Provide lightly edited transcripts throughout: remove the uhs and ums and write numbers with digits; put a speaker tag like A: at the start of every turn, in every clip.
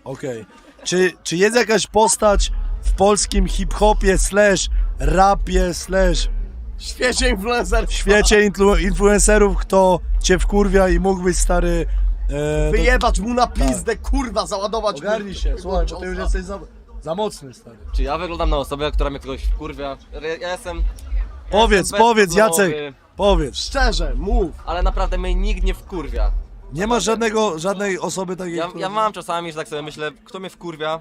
A: Okej. Czy jest jakaś postać w polskim hip-hopie / rapie /
B: W świecie influencerów.
A: w świecie influencerów, kto cię wkurwia i mógłbyś, stary...
B: Wyjebać mu na pizdę, kurwa, załadować
A: Ogarnij
B: mu-
A: się, słuchaj, bo ty już
B: ciosa.
A: jesteś za mocny, stary.
C: Czy ja wyglądam na osobę, która mnie kogoś wkurwia? Ja jestem...
A: Powiedz, Jacek, powiedz.
B: Szczerze, mów.
C: Ale naprawdę mnie nikt nie wkurwia.
A: Nie ma żadnej osoby takiej,
C: Ja
A: która...
C: mam czasami, że tak sobie myślę, kto mnie wkurwia,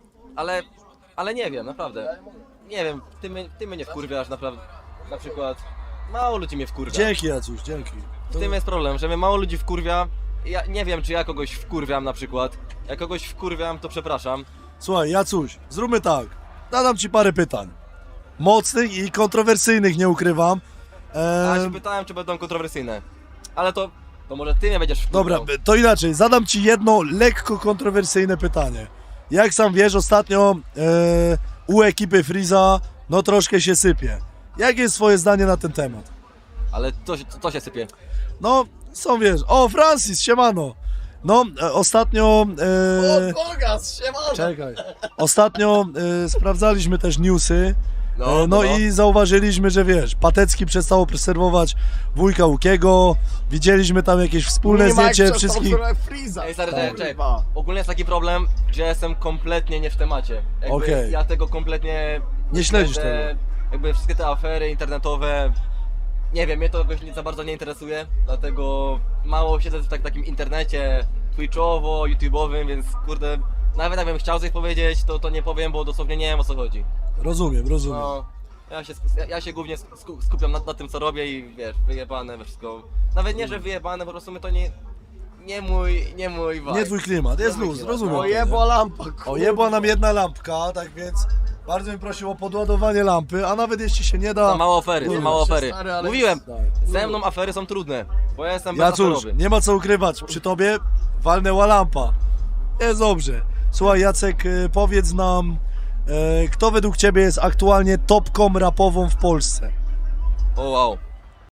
C: ale nie wiem, naprawdę. Nie wiem, ty mnie nie wkurwiasz, naprawdę. Na przykład, mało ludzi mnie wkurwia.
A: Dzięki, Jacuś, dzięki.
C: W tym jest problem, że mnie mało ludzi wkurwia. Ja nie wiem, czy ja kogoś wkurwiam na przykład. Jak kogoś wkurwiam, to przepraszam.
A: Słuchaj, Jacuś, zróbmy tak. Zadam ci parę pytań. Mocnych i kontrowersyjnych, nie ukrywam.
C: A ja się pytałem, czy będą kontrowersyjne. Ale to może ty mnie będziesz wkurwiał.
A: Dobra, to inaczej. Zadam ci jedno lekko kontrowersyjne pytanie. Jak sam wiesz, ostatnio u ekipy Freeza no troszkę się sypie. Jakie jest twoje zdanie na ten temat?
C: Ale to się sypie.
A: No, są wiesz... O, Francis, siemano! No, ostatnio...
B: O, Bogas, siemano.
A: Czekaj. Ostatnio sprawdzaliśmy też newsy.
C: No,
A: No i zauważyliśmy, że wiesz, Patecki przestał obserwować wujka Łukiego, widzieliśmy tam jakieś wspólne zdjęcie wszystkich...
B: Freeza.
C: Ej, stary,
A: Tak.
C: czekaj. Ogólnie jest taki problem, że ja jestem kompletnie nie w temacie. Jakby
A: Okej.
C: Ja tego kompletnie...
A: Nie śledzisz tego.
C: Jakby wszystkie te afery internetowe... Nie wiem, mnie to jakoś za bardzo nie interesuje, dlatego mało siedzę w takim internecie twitchowo, youtube'owym, więc kurde... Nawet jakbym chciał coś powiedzieć, to nie powiem, bo dosłownie nie wiem, o co chodzi.
A: Rozumiem.
C: No, ja się głównie skupiam na tym, co robię i wiesz, wyjebane we wszystko. Nawet nie, że wyjebane, po prostu my to nie mój vibe.
A: Nie twój klimat, jest luz, rozumiem.
B: Ojebła lampa, kurwa.
A: Ojebła nam jedna lampka, tak więc bardzo bym prosił o podładowanie lampy, a nawet jeśli się nie
C: Za
A: da...
C: mało afery, za
A: Kurwa,
C: mało afery.
B: stary, ale-
C: Mówiłem,
A: Tak.
C: ze mną afery są trudne, bo ja jestem
A: Ja cóż,
C: bezaferowy.
A: nie ma co ukrywać, przy tobie walnęła lampa. Jest dobrze. Słuchaj, Jacek, powiedz nam, kto według ciebie jest aktualnie topką rapową w Polsce?
C: O wow.